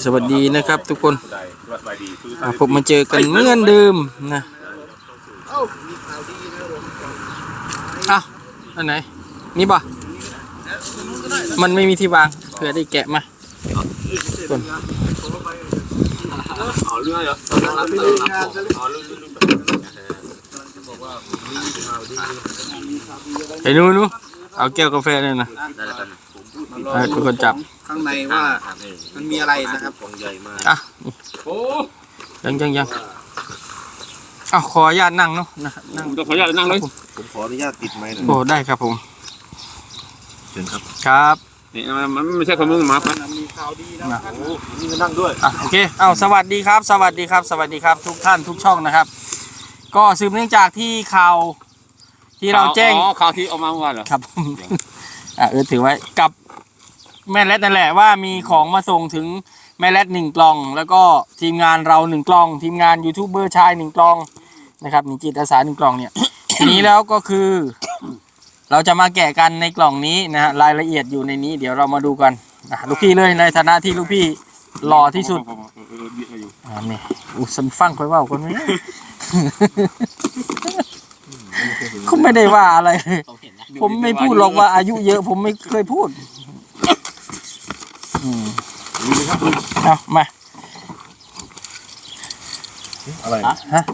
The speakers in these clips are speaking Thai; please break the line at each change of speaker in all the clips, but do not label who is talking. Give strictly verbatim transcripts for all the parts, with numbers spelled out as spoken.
สวัสดีนะครับทุกคนผมมาเจอกันเหมือนเดิมนะอ้าวอันไหนนี่ป่ะมันไม่มีที่วางเผื่อได้แกะมาคนไอ้นู้นู้เอาแก้วกาแฟเลยนะทุกคนจับ
ข้างในว่ามันมีอะไรนะครับของใหญ่มาก
อ่ะยังยังยังอ้าวขออนุญาตนั่งเนาะนะนั่ง
ขออนุญาตนั่งเลย
ผมขออนุญาตติดไม้หน่อย
โอ้ได้ครับผม
เชิญครับ
ครับ
นี่มันไม่ใช่คนมึงมาครับ
มีข่าวดีนะครับโอ้นี่มานั่งด้วย
อ่ะโอเคเอาสวัสดีครับสวัสดีครับสวัสดีครับทุกท่านทุกช่องนะครับก็สืบเนื่องจากที่ข่าวที่เราแจ้ง
อ๋อข่าวที่ออกมาเมื่อวานเหรอ
ครับอ่ะเออถือไว้กับแม่แรดนั่นแหละว่ามีของมาส่งถึงแม่แรดหนึ่งกล่องแล้วก็ทีมงานเราหนึ่งกล่องทีมงานยูทูบเบอร์ชายหนึ่งกล่องนะครับมีจิตอาสาหนึ่งกล่องเนี่ยทีนี้แล้วก็คือเราจะมาแกะกันในกล่องนี้นะฮะรายละเอียดอยู่ในนี้เดี๋ยวเรามาดูกันนะลูกพี่เลยในฐานะที่ลูกพี่หล่อที่สุดอ่านี่อุสันฟังค่อยว่าคนนี้เขาไม่ได้ว่าอะไรผมไม่พูดหรอกว่าอายุเยอะผมไม่เคยพูดอืมเอามา
อะไร
ฮะ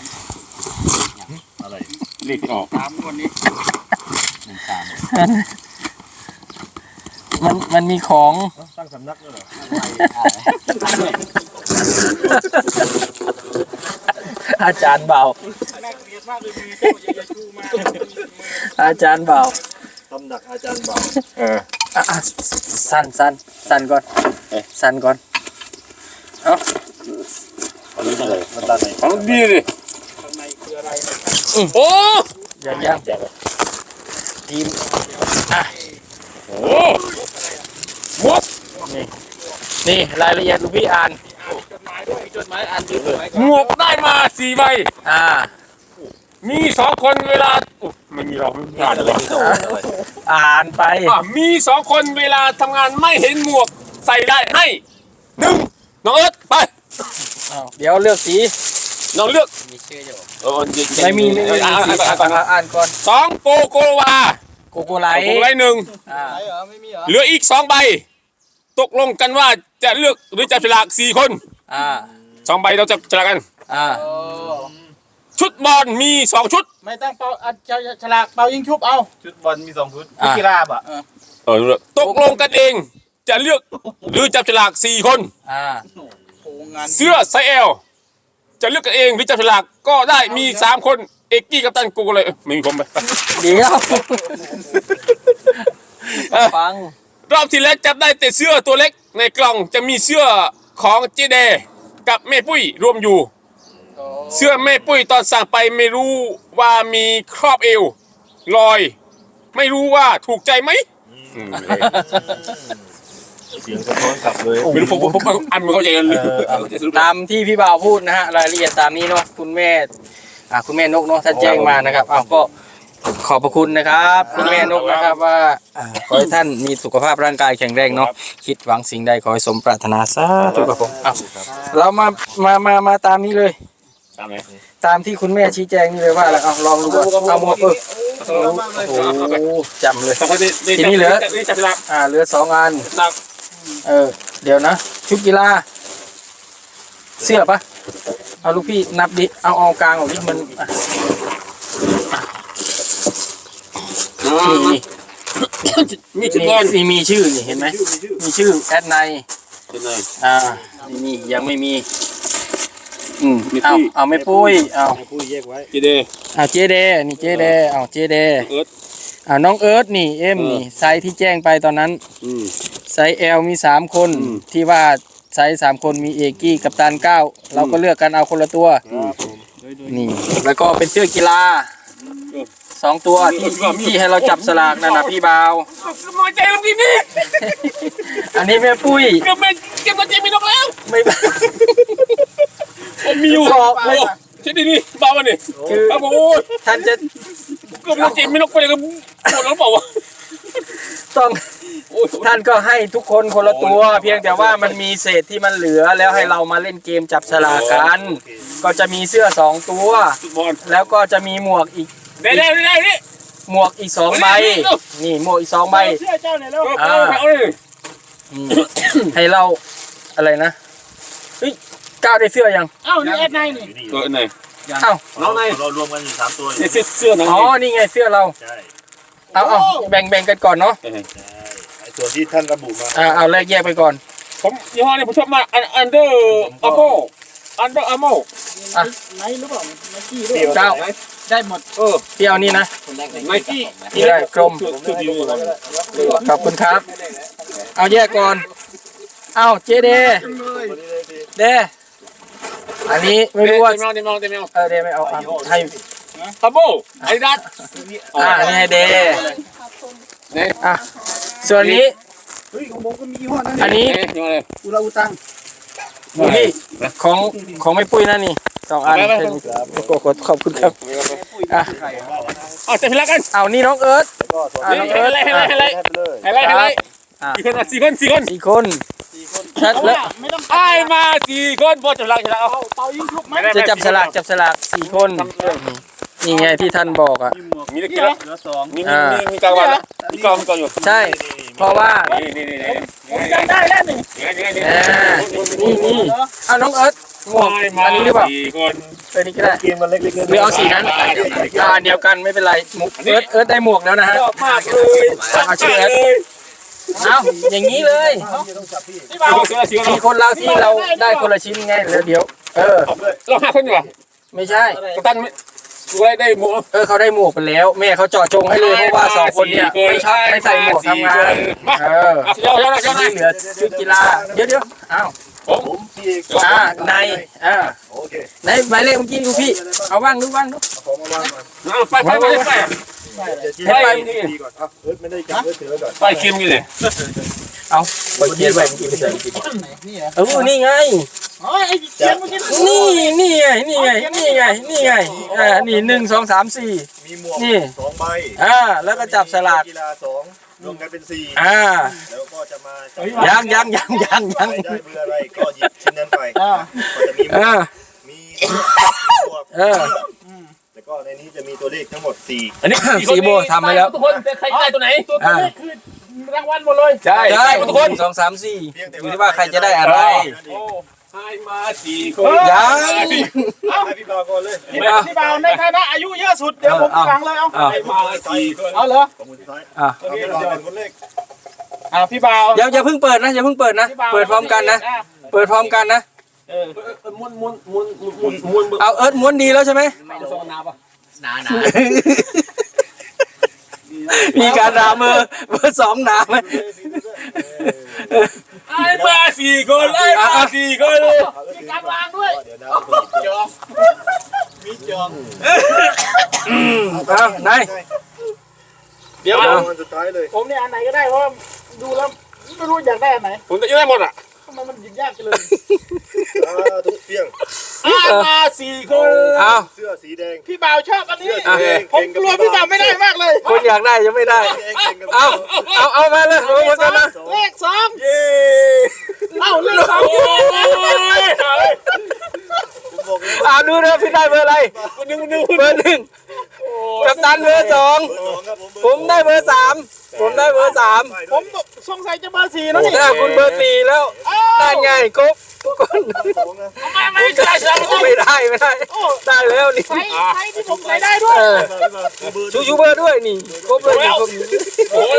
อะไร
เลขที่ออก
สามวันนี้หนึ่งสาม
มันมันมีของ
ตั้งสำนักด้วยเหรอ
อาจารย์เบาอาจารย์เบา
ตำหนักอาจารย์เบา
เออสั้นสั้นสั้นก่อนสั้นก่อนเอ้า
อันนี้อะไรมันด้านไหน
ของดีเลย
ข้างในคืออะไร
โอ้
ยังยังทีมอ่ะ
โอ้หมด
นี่นี่รายละเอียดลูกพี่อ่าน
จดหมายด้วยจดหมายอ่านจดหมาย
หมวกได้มาสี่ใบ
อ่า
มีสองคนเวลาไม่มีเราไม่อ่านอะไร
อ่านไป
มีสองคนเวลาทำงานไม่เห็นหมวกใส่ได้ให้หนึ่งน้องเอิร์ธไป
เดี๋ยวเลือกสี
น้องเลือก
มีชื่ออยู่
ไม่
มีไม่มีอ่านก่อนอ่านก่อน
สองโกโกวา
โกโกไล
โกโกไลหนึ่งเหลืออีกสองใบตกลงกันว่าจะเลือกหรือจะฉลากสี่คนสองใบเราจะฉลากกันชุดบอลมีสองชุด
ไม่ต้องเป่าฉลากเป่ายิงชุบเอาชุดบอลมีสองชุดกีฬาบ่ะ
เออตกลงกันเองจะเลือกหรือจับฉลากสี่คนเสื้อไซเอลจะเลือกกันเองหรือจับฉลากก็ได้มีสามคนเอกกี้กับตันกูเลยไม่มีผมไป
เดี๋ยวฟัง
รอบที่แล้วจับได้แต่เสื้อตัวเล็กในกล่องจะมีเสื้อของเจเดกับแม่ปุ้ยรวมอยู่เสื้อแม่ปุ้ยตอนสั่งไปไม่รู้ว่ามีครอบเอวลอยไม่รู้ว่าถูกใจไหม
เสียงสะท้อนกลับเลย
ไม่รู้ผมผมอันไม่เข้าใจกันเลย
ตามที่พี่บ่าวพูดนะฮะรายละเอียดตามนี้เนาะคุณแม่อ่าคุณแม่นกเนาะท่านแจ้งมานะครับอ้าวก็ขอบพระคุณนะครับคุณแม่นกนะครับว่าขอให้ท่านมีสุขภาพร่างกายแข็งแรงเนาะคิดหวังสิ่งใดขอให้สมปรารถนาสาธุครับผมอ้าวเรามามามามาตามนี้เลย
ตามไหน
ตามที่คุณแม่ชี้แจงนี่เลยว่าอะไรเอาลองดูก่อนเอาหมวกเออโอ้โหจำเลยทีนี้เหลืออ่าเหลือสองอันเออเดี๋ยวนะชุดกีฬาเสื้อปะเอาลูกพี่นับดิเอาเอากลางออกดิมันนี่
มีชื่อ
นี่มีชื่อนี่เห็นไหมมีชื่อแอดไนอ่านี่มียังไม่มีอืมเอาเอาไม่ปุ้ยเอา
ปุ้ยแยกไว้
เจเด
เอาเจเดนี่เจเดเอาเจเดอ่าน้องเอิร์ธนี่เอ็มนี่ไซส์ที่แจ้งไปตอนนั้นไซส์ L มีสามคนที่ว่าไซส์สามคนมีเอกี้กับตันเก้าเราก็เลือกกันเอาคนละตัวนี่แล้วก็เป็นเสื้อกีฬาสองตัวที่ที่ให้เราจับสลากนั่นนะพี่บ่าว
มอใจลงทีนี้
อันนี้แม่ปุ้ย
เก็บเงินเก็บเงินเจมีนกแล้ว
ไม่
ผมมีอยู่โอ้ใช่ดินี่บ้าวันนี้คือโอ้
ท่านจะ
เก็บเงินเจมีนกไปเลยก็ปวดแล้วเปล่าวะ
ต้องท่านก็ให้ทุกคนคนละตัว เพียงแต่ว่ามันมีเศษที่มันเหลือแล้วให้เรามาเล่นเกมจับฉลากกัน ก็จะมีเสื้อสองตัว แล้วก็จะมีหมวกอีก
ได้ได้ได้นี่
หมวกอีกสองใบนี่หมวกอีกสองใบ
เชื่อเจ้าเนี่ยแล้ว
อ่านี่ให้เราอะไรนะเฮ้ยก้าวได้เสื้อยัง
เอ้านี่แอดไนนี่
ตัวไหน
เอ้า
น้องไหน
เรารวมกันอยู่สามตัว
เสื้อเสื้อน้อง
อ๋อนี่ไงเสื้อเรา
ใช่
เอาเอาแบ่งแบ่งกันก่อนเนาะ
ใช่ไอ้ส่วนที่ท่านระบุมา
อ่าเอาแรกแยกไปก่อน
ผมยี่ห้อนี้ผมชอบมากอันเดอร์อาโมอันเดอร์อาโม
ไนหรือเปล่าไนกี้ด้วย
เก้า
ได้หมด
เออ
เที่ยวนี่นะ
ไนกี้
นี่ได้กลม
คือดี
ขอบคุณครับ เอาแยกก่อน เอาเจเดเดอันนี้ไม่รู้ว่า
เต็มเต็มเต็มเต็ม
เออเดไม่เอาเอาให้
อาโมไอ้ดัต
อ่าอันนี้ให้เด
เนี่ย
อ่ะส่วนนี้
เฮ้ยของผมก็มียี่ห้อนั้น
อันนี้
นี่เลย
อุราอุตัง
นี่ของของไม่ปุ้ยนะนี่สองอันขอขอบคุณครับอ่ะ
เอาจะพิลักกัน
เอานี่น้องเอิร์ธอ่ะ
ให้
น้องเอิร์ธ
ไล่ให้ไล่ให้ไล่
ให้ไปเลย
ให้ไล่ให้ไล่สี่คนสี่คนสี่คน
สี่คนชัดแล้ว
ไม่ต้อง
ไอ้มาสี่คนพอจะพิลักจะเอา
เป่ายิงชุบไหม
จะจับฉลากจับฉลากสี่คนนี่ไงที่ท่านบอกอ่ะ
มีตะกี้แล้ว
เหลือสอง
มีมีมีกลางวันมีกลางมีกลางอยู่
ใช่ เพราะว่า
นี่นี่นี่
ผมจำได้แล้วนี่
อ่านี่นี่เอาน้องเอิร์ธหมวกอันนี้หรือเปล่า
สี่คน
เออนี่ก็ได้
เกมมันเล็กๆน้อยๆ
หรือเอาสีนั้นอ่าเดียวกันไม่เป็นไรหมวกเอิร์ธเอิร์ธได้หมวกแล้วนะฮะ
ชอบมากเลย
เอาชื่อเอิร์ธเอาอย่างนี้เลย
พี่บ่าว
สี่คนสี่คน
สี่คนเราที่เราได้คนละชิ้นไงแล้วเดี๋ยว เออ
เราห้าคนอยู่อ่ะ
ไม่ใช่
กัปตันไม่ดูได้ได้หมด
เออเขาได้หมวกไปแล้ว แม่เขาเจาะจงให้เลยเพราะว่าสองคนเนี่ยไม่ชอบไม่ใส่หมวกทำงานเออ
เยอะเยอะเยอะ
ที่เหลือชุดกีฬาเดี๋ยวเดี๋ยวอ้าว
ผม
ผมพี่เอก
อ่าในอ่า
โอเค
ในหมายเลขเมื่อกี้ดูพี่เอาว่างดูว่างดู
ของมาวางก่อน
ไปไปไปไป
เดี๋ยวชี้
ไป
ให้ดีก่อนอ่ะเอิร์ธไม่ได้จับเอิร์ธถือไว้ก่อน
ไปคิมกันเลย
เอาไปเกียร์ไปเมื่อกี้ไปใส่กิน
นี่เหรอ
เออนี่ไง
อ๋อไอ้เขียนเมื่อกี้
นี่นี่ไงนี่ไงนี่ไงนี่ไงอ่านี่หนึ่งสองสามสี่
มีหมวก
นี่
สองใบ
อ่าแล้วก็จับสลาก
กีฬาสองรวมกันเป็นสี่
อ่า
แล้วก็จะมา
ยังยังยังยังยัง
ใครได้เบอร์อะไรก็หยิบชิ้นนั้นไป
อ่า
ก็จะมีหมว
อ่าก
มีหมวก
เออ
แล้วก็ในนี้จะมีตัวเลขทั้งหมดสี่
อันนี้
สีโบทำไปแล้ว
ทุกคนใครได้ตัวไหน
ตัวตัวเลขคือรางวัลหมดเลย
ใช่
ใช่
ทุกคน
หนึ่งสองสามสี่อยู่ที่ว่าใครจะได้อะไร
ให้มาสี่คน
ยัง
ให้พี่บาวก่อนเลย
พี่บ่าวพี่บ่าวในฐานะอายุเยอะสุดเดี๋ยวผมฟังเลยเอา
อ้าว
ให้มาสี่คน
เอาเหรอ
ของคนสุดท้าย
อ่ะ
เอาพี่บาวเป็นคนเลข
เอาพี่บ่าว
อย่าอย่าเพิ่งเปิดนะอย่าเพิ่งเปิดนะ
พี่บ่าว
เปิดพร้อมกันนะ
อ่
เปิดพร้อมกันนะ
เออ
ม้วนม้วนม้วนม้วนม้วน
เอาเอิร์ธม้วนดีแล้วใช่ไหม
สองนาปะ
มีการด่ามือเบอร์สองด่าไหม
ให้มาสี่คนให้มาสี่คน
มีการวางด้วย
เดี๋ยวนะ
จองมีจอง
เอาไหน
เดี๋ยว
เอาวันสุดท้ายเลย
ผมเนี่ยอันไหนก็ได้เพราะว่าดูแล้วไม่รู้อยากได้อันไหน
ผมจะได้หมดอ่ะ
ทำไมมันหยิบยากจังเลย
อ่าทุกเพียง
ให้มาสี่คน
เอา
เสื้อสีแดง
พี่บ่าวชอบอันนี้
เสื้อสีแดง
ผมกลัวพี่บ่าวไม่ได้มากเลย
คนอยากได้ยังไม่ได้
แดงเก่งกับ
เอาเอาเอามาเลยเอามากันนะ
เลขสอง
เย้
เอ้าเลขสอง
โอ้ย
ผมบอกเลย
อ่าดูนะพี่ได้เบอร์อะไร
คนนึงคนนึง
เบอร์หนึ่งกัปตันเบอร์สอง
เบอร์สองครับผม
ผมได้เบอร์สามผมได้เบอร์สาม
ผมสงสัยจะเบอร์สี่แล้วนี่
ถ้าคุณเบอร์สี่แล้วได้ไงครบทุกคน
ไม่ไม่ใช่ใช่
ไม่ได้ไม่ได้ได้แล้วนี่
ใช้ใช้ที่ผมใส่ได้ด้วย
เออชูชูเบอร์ด้วยนี่ครบเลยนี่ครบ
โอ้ย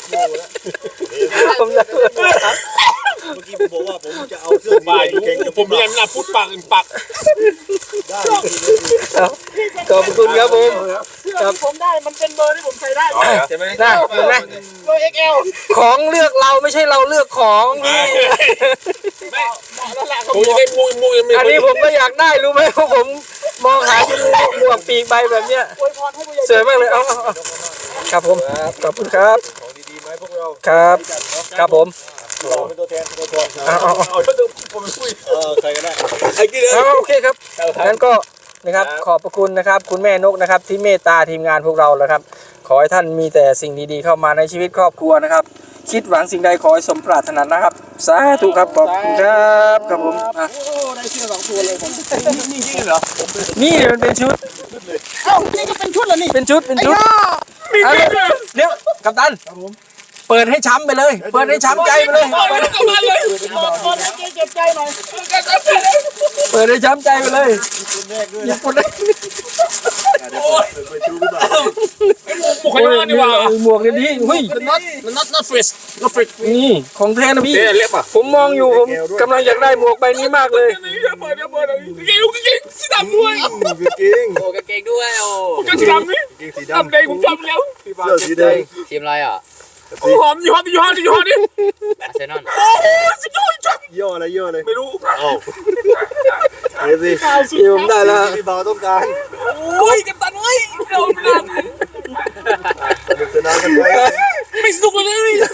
ผมได้เบอร์สาม
เมื่อกี้ผมบอกว่าผมจะเอาเสื้อสี
มา
แด
อง ยู่
เก่งกับ
ผมยังน่าพูดปากอื่นปาก
ได้
ขอบคุณครับผม
เสื้อที่ผมได้มันเป็นเบอร์ที่ผมใส่ได้
ใช่ไหม
นะเห็นไหม
เบอร์ เอ็กซ์ แอล
ของเลือกเราไม่ใช่เราเลือกของนี่
เหมาะแล้วแหละ
ผมจะได้มูมูยังไม่
อันนี้ผมก็อยากได้รู้ไหมเพราะผมมองหาที่หมวกปีกใบแบบเนี้ย
อวยพรให้ผู้ใหญ่
สวยมากเลยเอาเอาเอาครับผมขอบคุณครับ
ของดีๆไหมพวกเรา
ครับครับผม
เราเป็นตัวแทนตัวแทน
เอาเอาเอา
เอาถ้าดูผมคุย
เออใครก็ได้
ไอ้กี่เดือน
เอาโอเคครับงั้นก็นะครับขอบพระคุณนะครับคุณแม่นกนะครับที่เมตตาทีมงานพวกเราแล้วครับขอให้ท่านมีแต่สิ่งดีๆเข้ามาในชีวิตครอบครัวนะครับคิดหวังสิ่งใดขอให้สมปรารถนานะครับสาธุครับขอบคุณครับครับผมอ่ะ
โอ้ได้เสื้อสองตัวเลยผมนี่จริงเหรอ
นี่มันเป็นชุด
เอ้านี่ก็เป็นชุดเหรอนี่
เป็นชุดเป็นชุดเอาเลยเดี๋ยวกัปตันเปิดให้ช้ำไปเลย เปิดให้ช้ำใจไปเลย
โอ้ยกลับมาเลย
ตอนตอนให้เจ็บใจหน่อย
เปิดให้ช้ำใจไปเลยญี่ปุ่นได้
ไปดูดีกว่า
บุคคลมาดีกว่า
หมวกเนี่ยดีเฮ้ย
not not not fresh not fresh
นี่ของแท้นะพี่
เอ๊ะเล็บอ่ะ
ผมมองอยู่ผมกำลังอยากได้หมวกใบนี้มากเลย
เดี๋ยวเปิดเดี๋ยวเปิดเก่งเก่งสีดำด้วย
จริง
โอ้กางเกงด้วยโอ้
ผมจะสีดำนี่
จริงสี
ดำ
ดำ
แดงผมจำแล้ว
เสื้อสีแดง
ทีมอะไรอ่ะ
โอ้หอมยี่ห้อยี่ห้อยี่ห้อนี่
อาร์เซนอล
โอ้สุดยอดจัง
ย่ออะไรย่ออะไร
ไม่รู้
โอ้เดี๋ยวสิ
พี่ผมได้แล้ว
พี่บ่าวต้องการ
โอ้ยกัปตันเอ้ยเราไม่ได้
สนุกสนานกันไป
ไม่สนุกเลย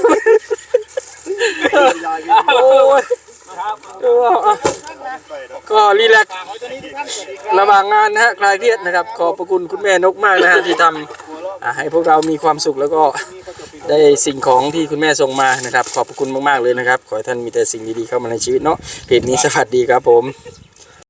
โอ้ยก็รีแลกซ์ระหว่างงานนะฮะคลายเครียดนะครับขอบพระคุณคุณแม่นกมากนะฮะที่ทำอ่าให้พวกเรามีความสุขแล้วก็ได้สิ่งของที่คุณแม่ส่งมานะครับขอบพระคุณมากๆเลยนะครับขอให้ท่านมีแต่สิ่งดีๆเข้ามาในชีวิตเนาะเพจนี้สวัสดีครับผม